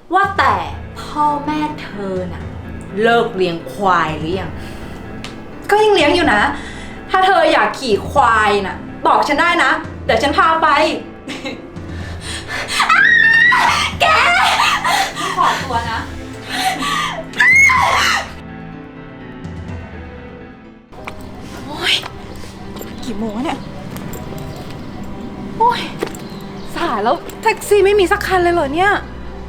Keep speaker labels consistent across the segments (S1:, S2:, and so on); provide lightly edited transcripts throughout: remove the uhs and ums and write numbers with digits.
S1: ว่าแต่พ่อแม่เธอน่ะเลิกเลี้ยงควายหรือยัง
S2: ก็ยังเลี้ยงอยู่นะ ถ้าเธออยากขี่ควายน่ะบอกฉันได้นะ เดี๋ยวฉันพาไป
S1: แก
S2: ขอตัวนะโอ้ยกี่โมงเนี่ยโอ้ยสายแล้วแท็กซี่ไม่มีสักคันเลยเหรอเนี่ย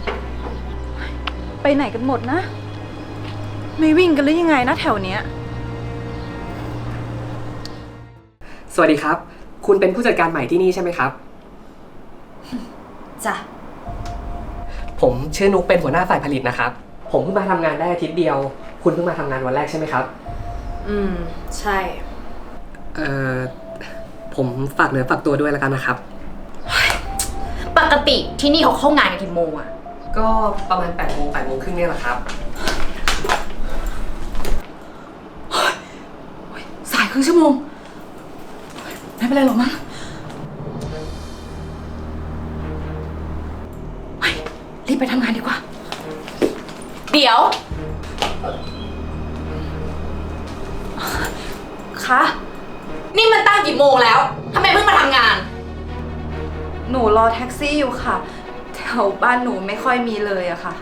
S2: ไปไหนกันหมดนะไม่วิ่งกันหรือยังไงนะแถวเนี้ย
S3: สวัสดีครับคุณเป็นผู้จัดการใหม่ที่นี่ใช่ไหมครับ
S1: จ้ะ
S3: ผมชื่อนุกเป็นหัวหน้าฝ่ายผลิตนะครับผมเพิ่งมาทำงานได้อาทิตย์เดียวคุณเพิ่งมาทำงานวันแรกใช่ไหมครับ
S1: ใช่
S3: ผมฝากเนื้อฝากตัวด้วยแล้วกันนะครับ
S1: ปกติที่นี่เขาเข้างานกันกี่โมงอะ
S3: ก็ประมาณ8 โมง 8 โมงครึ่งเนี่ยแหละครับ
S2: สายครึ่งชั่วโมงไม่เป็นไรหรอกมั้งรีบไปทำงานดีกว่า
S1: เดี๋ยว
S2: คะ
S1: นี่มันตั้งกี่โมงแล้วทำไมเพิ่งมาทำงาน
S2: หนูรอแท็กซี่อยู่ค่ะแถวบ้านหนูไม่ค่อยมีเลยอะค่ะ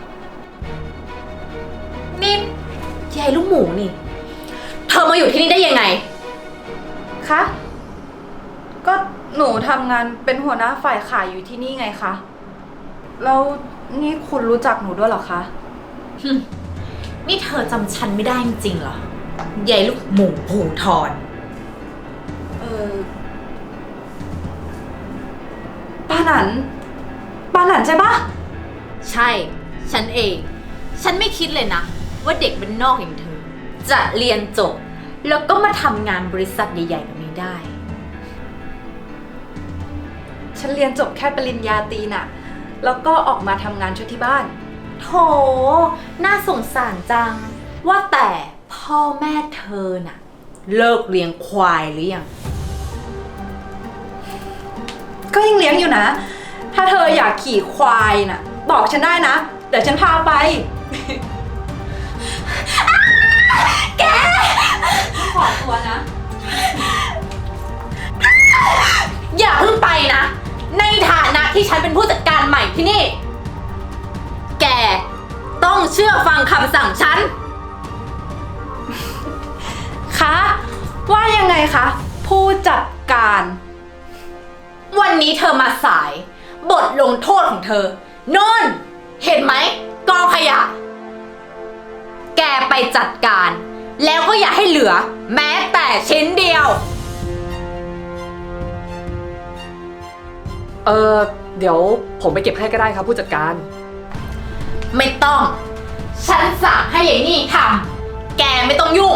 S1: นี่ยายลูกหมูนี่เธอมาอยู่ที่นี่ได้ยังไง
S2: คะก็หนูทำงานเป็นหัวหน้าฝ่ายขายอยู่ที่นี่ไงคะแล้วนี่คุณรู้จักหนูด้วยเหรอคะ
S1: นี่เธอจำฉันไม่ได้จริงๆเหรอยายลูกหมูภูทร
S2: ป้าหนันใช่ปะ
S1: ใช่ฉันเองฉันไม่คิดเลยนะว่าเด็กบ้านนอกอย่างเธอจะเรียนจบแล้วก็มาทำงานบริษัทใหญ่ๆแบบนี้ได้
S2: ฉันเรียนจบแค่ปริญญาตรีน่ะแล้วก็ออกมาทำงานช่วยที่บ้าน
S1: โธ่น่าสงสารจังว่าแต่พ่อแม่เธอน่ะเลิกเลี้ยงควายหรือยัง
S2: ก็ยังเลี้ยงอยู่นะถ้าเธออยากขี่ควายน่ะบอกฉันได้นะเดี๋ยวฉันพาไป
S1: แก
S2: ขอตัวนะ
S1: อย่าเพิ่งไปนะในฐานะที่ฉันเป็นผู้จัดการใหม่ที่นี่แกต้องเชื่อฟังคำสั่งฉัน
S2: คะว่ายังไงคะผู้จัดการ
S1: วันนี้เธอมาสายบทลงโทษของเธอโน่นเห็นไหมกองขยะแกไปจัดการแล้วก็อย่าให้เหลือแม้แต่ชิ้นเดียว
S3: เดี๋ยวผมไปเก็บให้ก็ได้ครับผู้จัดการ
S1: ไม่ต้องฉันสั่งให้ยายนี่ทำแกไม่ต้องยุ่ง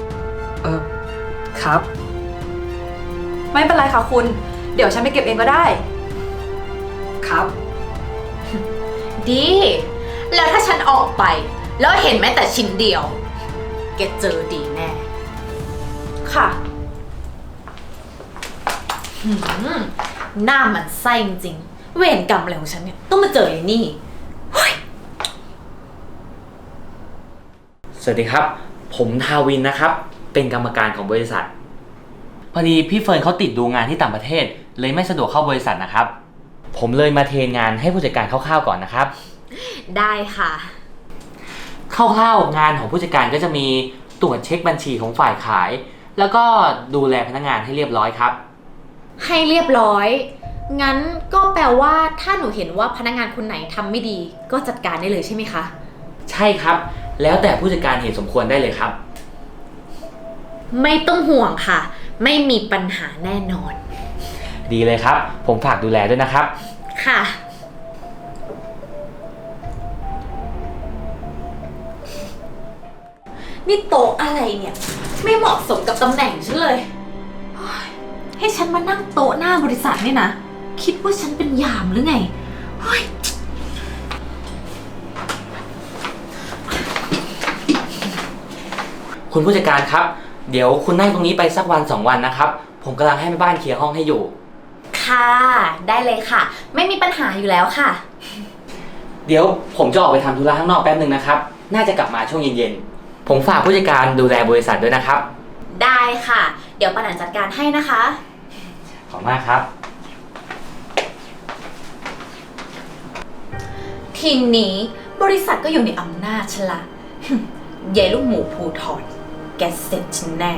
S3: ครับ
S2: ไม่เป็นไรค่ะคุณเดี๋ยวฉันไปเก็บเองก็ได้
S3: ครับ
S1: ดีแล้วถ้าฉันออกไปแล้วเห็นแม้แต่ชิ้นเดียวแกเจอดีแน่
S2: ค่ะ
S1: หน้ามันไส้จริงๆเวรกรรมอะไรของฉันเนี่ยต้องมาเจอไอ้นี่
S4: สวัสดีครับผมทาวินนะครับเป็นกรรมการของบริษัทพอดีพี่เฟิร์นเขาติดดูงานที่ต่างประเทศเลยไม่สะดวกเข้าบริษัทนะครับผมเลยมาเทรนงานให้ผู้จัดการคร่าวๆก่อนนะครับ
S1: ได้ค่ะ
S4: คร่าวๆงานของผู้จัดการก็จะมีตรวจเช็คบัญชีของฝ่ายขายแล้วก็ดูแลพนักงานให้เรียบร้อยครับ
S1: ให้เรียบร้อยงั้นก็แปลว่าถ้าหนูเห็นว่าพนักงานคนไหนทำไม่ดีก็จัดการได้เลยใช่ไหมคะ
S4: ใช่ครับแล้วแต่ผู้จัดการเห็นสมควรได้เลยครับ
S1: ไม่ต้องห่วงค่ะไม่มีปัญหาแน่นอน
S4: ดีเลยครับผมฝากดูแลด้วยนะครับ
S1: ค่ะนี่โต๊ะอะไรเนี่ยไม่เหมาะสมกับตำแหน่งฉันเลยให้ฉันมานั่งโต๊ะหน้าบริษัทนี่นะคิดว่าฉันเป็นยามหรือไง
S4: คุณผู้จัดการครับเดี๋ยวคุณนั่งตรงนี้ไปสักวัน2 วันนะครับผมกำลังให้แม่บ้านเคลียร์ห้องให้อยู่
S1: ค่ะได้เลยค่ะไม่มีปัญหาอยู่แล้วค่ะ
S4: เดี๋ยวผมจะออกไปทำธุระข้างนอกแป๊บนึงนะครับ น่าจะกลับมาช่วงเย็นๆ ผมฝากผู้จัดการดูแลบริษัทด้วยนะครับ
S1: ได้ค่ะ เดี๋ยวปานันจัดการให้นะคะ
S4: ขอบคุณมากครับ
S1: ทีนี้บริษัทก็อยู่ในอำนาจฉันละ เยายลูกหมูภูทรแกเสร็จฉันแน่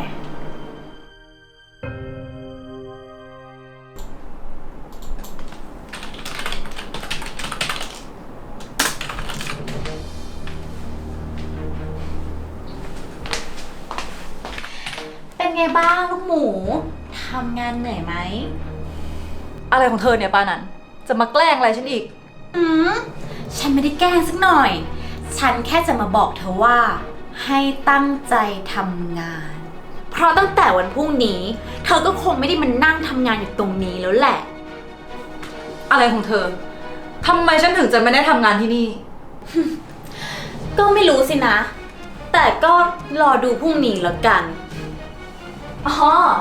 S1: เป็นไงบ้างลูกหมู ทำงานเหนื่อยไหม
S2: อะไรของเธอเนี่ยปานันจะมาแกล้งอะไรฉันอีก
S1: อืมฉันไม่ได้แกล้งสักหน่อย ฉันแค่จะมาบอกเธอว่า ให้ตั้งใจทำงาน เพราะตั้งแต่วันพรุ่งนี้ เธอก็คงไม่ได้มานั่งทำงานอยู่ตรงนี้แล้วแหละ
S2: อะไรของเธอทำไมฉันถึงจะไม่ได้ทำงานที่นี่
S1: ก็ไม่รู้สินะ แต่ก็รอดูพรุ่งนี้แล้วกัน อ๋อ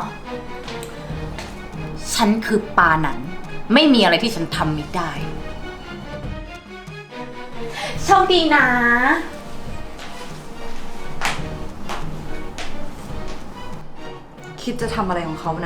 S1: ฉันคือปาหนัน ไม่มีอะไรที่ฉันทำไม่ได้ โชคดีนะ
S2: คิดจะทำอะไรของเขานะ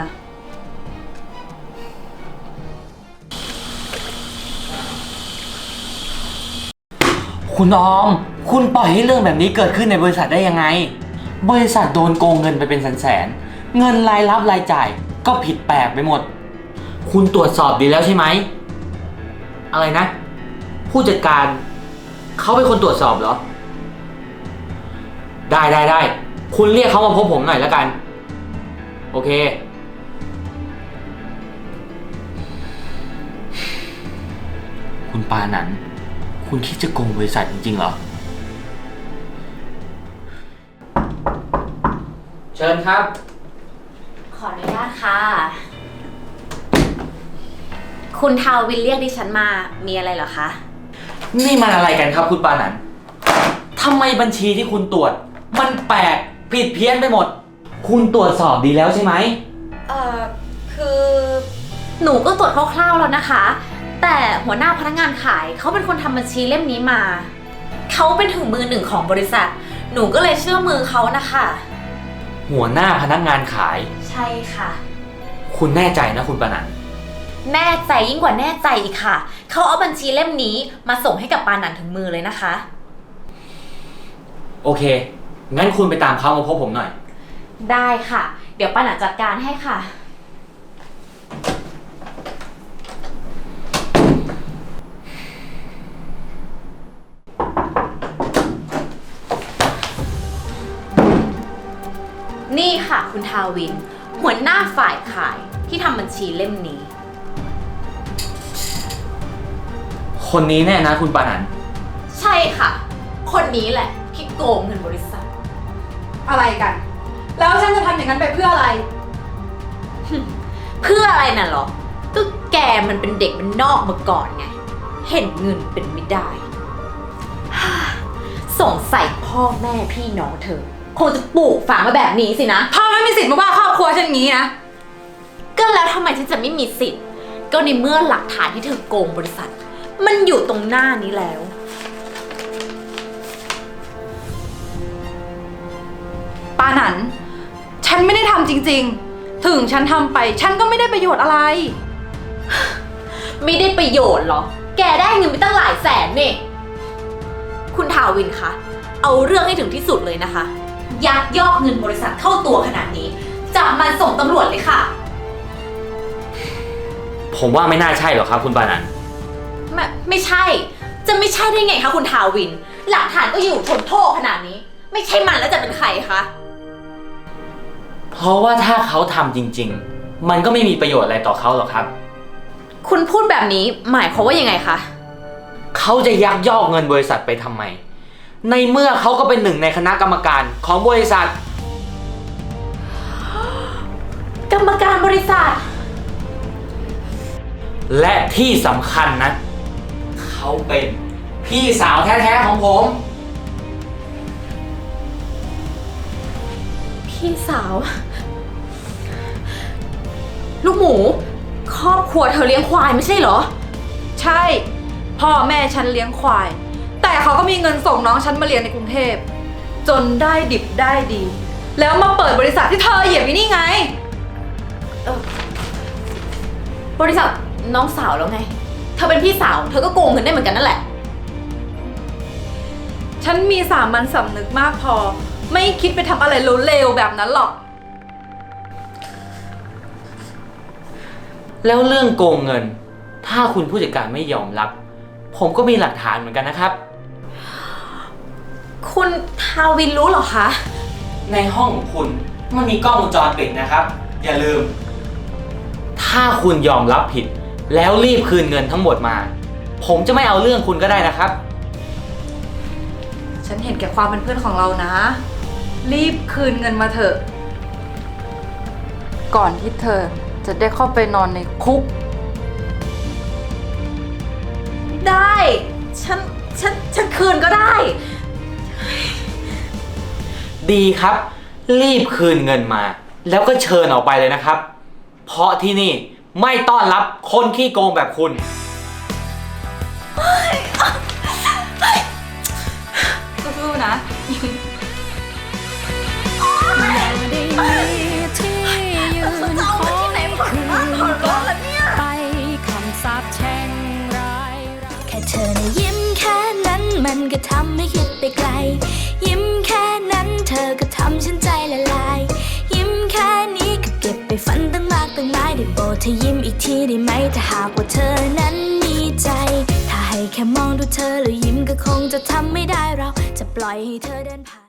S4: คุณออม คุณปล่อยให้เรื่องแบบนี้เกิดขึ้นในบริษัทได้ยังไง บริษัทโดนโกงเงินไปเป็นแสนๆ เงินรายรับรายจ่ายก็ผิดแปลกไปหมด คุณตรวจสอบดีแล้วใช่ไหม อะไรนะ ผู้จัดการเขาเป็นคนตรวจสอบเหรอ ได้ คุณเรียกเขามาพบผมหน่อยแล้วกัน โอเค คุณปานันคุณคิดจะโกงบริษัทจริงๆเหรอ เชิญครับ
S1: ขออนุญาตค่ะ คุณทาวินเรียกดิฉันมา มีอะไรเหรอคะ
S4: นี่มันอะไรกันครับคุณปานันทำไมบัญชีที่คุณตรวจ มันแปลกผิดเพี้ยนไปหมด คุณตรวจสอบดีแล้วใช่ไหม
S1: คือ หนูก็ตรวจคร่าวๆแล้วนะคะ แต่หัวหน้าพนักงานขายเขาเป็นคนทำบัญชีเล่มนี้มา เขาเป็นถึงมือหนึ่งของบริษัท หนูก็เลยเชื่อมือเขานะคะ
S4: หัวหน้าพนักงานขาย
S1: ใช่ค่ะ
S4: คุณแน่ใจนะคุณปานัน
S1: แน่ใจยิ่งกว่าแน่ใจอีกค่ะ เขาเอาบัญชีเล่มนี้มาส่งให้กับปานันถึงมือเลยนะคะ
S4: โอเค งั้นคุณไปตามเขามาพบผมหน่อย
S1: ได้ค่ะ เดี๋ยวปานันจัดการให้ค่ะ นี่ค่ะคุณทาวิน หัวหน้าฝ่ายขายที่ทำบัญชีเล่มนี้
S4: คนนี้แน่นะคุณปานัน
S1: ใช่ค่ะ คนนี้แหละที่โกงเงินบริษัท
S2: อะไรกัน แล้วฉันจะทำอย่างนั้นไปเพื่ออะไร
S1: เพื่ออะไรน่ะเหรอ ก็แกมันเป็นเด็กมันนอกมาก่อนไง เห็นเงินเป็นไม่ได้ สงสัยพ่อแม่พี่น้องเธอ คงจะปลูกฝังมาแบบนี้สินะ
S2: พ่อไม่มีสิทธิ์มาว่าครอบครัวฉันอย่างนี้นะ
S1: ก็แล้วทำไมฉันจะไม่มีสิทธิ์ ก็ในเมื่อหลักฐานที่เธอโกงบริษัท มันอยู่ตรงหน้านี้แล้ว
S2: ปานันฉันไม่ได้ทำจริงๆ ถึงฉันทำไป ฉันก็ไม่ได้ประโยชน์อะไร
S1: ไม่ได้ประโยชน์เหรอ แกได้เงินไปตั้งหลายแสนนี่ คุณทาวินคะ เอาเรื่องให้ถึงที่สุดเลยนะคะ ยักยอกเงินบริษัทเข้าตัวขนาดนี้ จับมันส่งตำรวจเลยค่ะ
S4: ผมว่าไม่น่าใช่หรอกครับคุณปานัน
S1: ไม่ใช่ จะไม่ใช่ได้ไงคะคุณทาวิน หลักฐานก็อยู่ทนโทษขนาดนี้ ไม่ใช่มันแล้วจะเป็นใครคะ
S4: เพราะว่าถ้าเขาทำจริงๆ มันก็ไม่มีประโยชน์อะไรต่อเขาหรอกครับ
S1: คุณพูดแบบนี้หมายความว่ายังไงคะ
S4: เขาจะยักยอกเงินบริษัทไปทำไม ในเมื่อเขาก็เป็นหนึ่งในคณะกรรมการของบริษัท
S1: กรรมการบริษัท
S4: และที่สำคัญนะ เขาเป็นพี่สาวแท้ๆของผม
S1: พี่สาว ลูกหมู ครอบครัวเธอเลี้ยงควายไม่ใช่เหรอ
S2: ใช่พ่อแม่ฉันเลี้ยงควาย แต่เขาก็มีเงินส่งน้องฉันมาเรียนในกรุงเทพ จนได้ดิบได้ดี แล้วมาเปิดบริษัทที่เธอเหยียบอยู่นี่ไง
S1: บริษัทน้องสาวแล้วไง เธอเป็นพี่สาว เธอก็โกงเงินได้เหมือนกันนั่นแหละ
S2: ฉันมีสามัญสำนึกมากพอ ไม่คิดไปทำอะไรเลวๆแบบนั้นหรอก
S4: แล้วเรื่องโกงเงิน ถ้าคุณผู้จัดการไม่ยอมรับ ผมก็มีหลักฐานเหมือนกันนะครับ
S1: คุณทาวินรู้เหรอคะ
S4: ในห้องของคุณมันมีกล้องวงจรปิดนะครับ อย่าลืม ถ้าคุณยอมรับผิด แล้วรีบคืนเงินทั้งหมดมา ผมจะไม่เอาเรื่องคุณก็ได้นะครับ
S2: ฉันเห็นแก่ความเป็นเพื่อนของเรานะ รีบคืนเงินมาเถอะ ก่อนที่เธอจะได้เข้าไปนอนในคุก
S1: ได้ ฉันคืนก็ได้
S4: ดีครับ รีบคืนเงินมา แล้วก็เชิญออกไปเลยนะครับ เพราะที่นี่ไม่ต้อนรับคนขี้โกงแบบคุณ
S2: สู้ๆนะ
S5: แค่เธอนะยิ้มแค่นั้นมันก็ทำให้คิดไปไกล ยิ้มแค่นั้นเธอก็ทำฉันใจละลาย ยิ้มแค่นี้ก็เก็บไปฝันตั้งมากตั้งหลายได้โปรดเธอยิ้มอีกทีได้ไหมถ้าหากว่าเธอนั้นมีใจ ถ้าให้แค่มองดูเธอแล้วยิ้มก็คงจะทำไม่ได้เราจะปล่อยให้เธอเดินผ่าน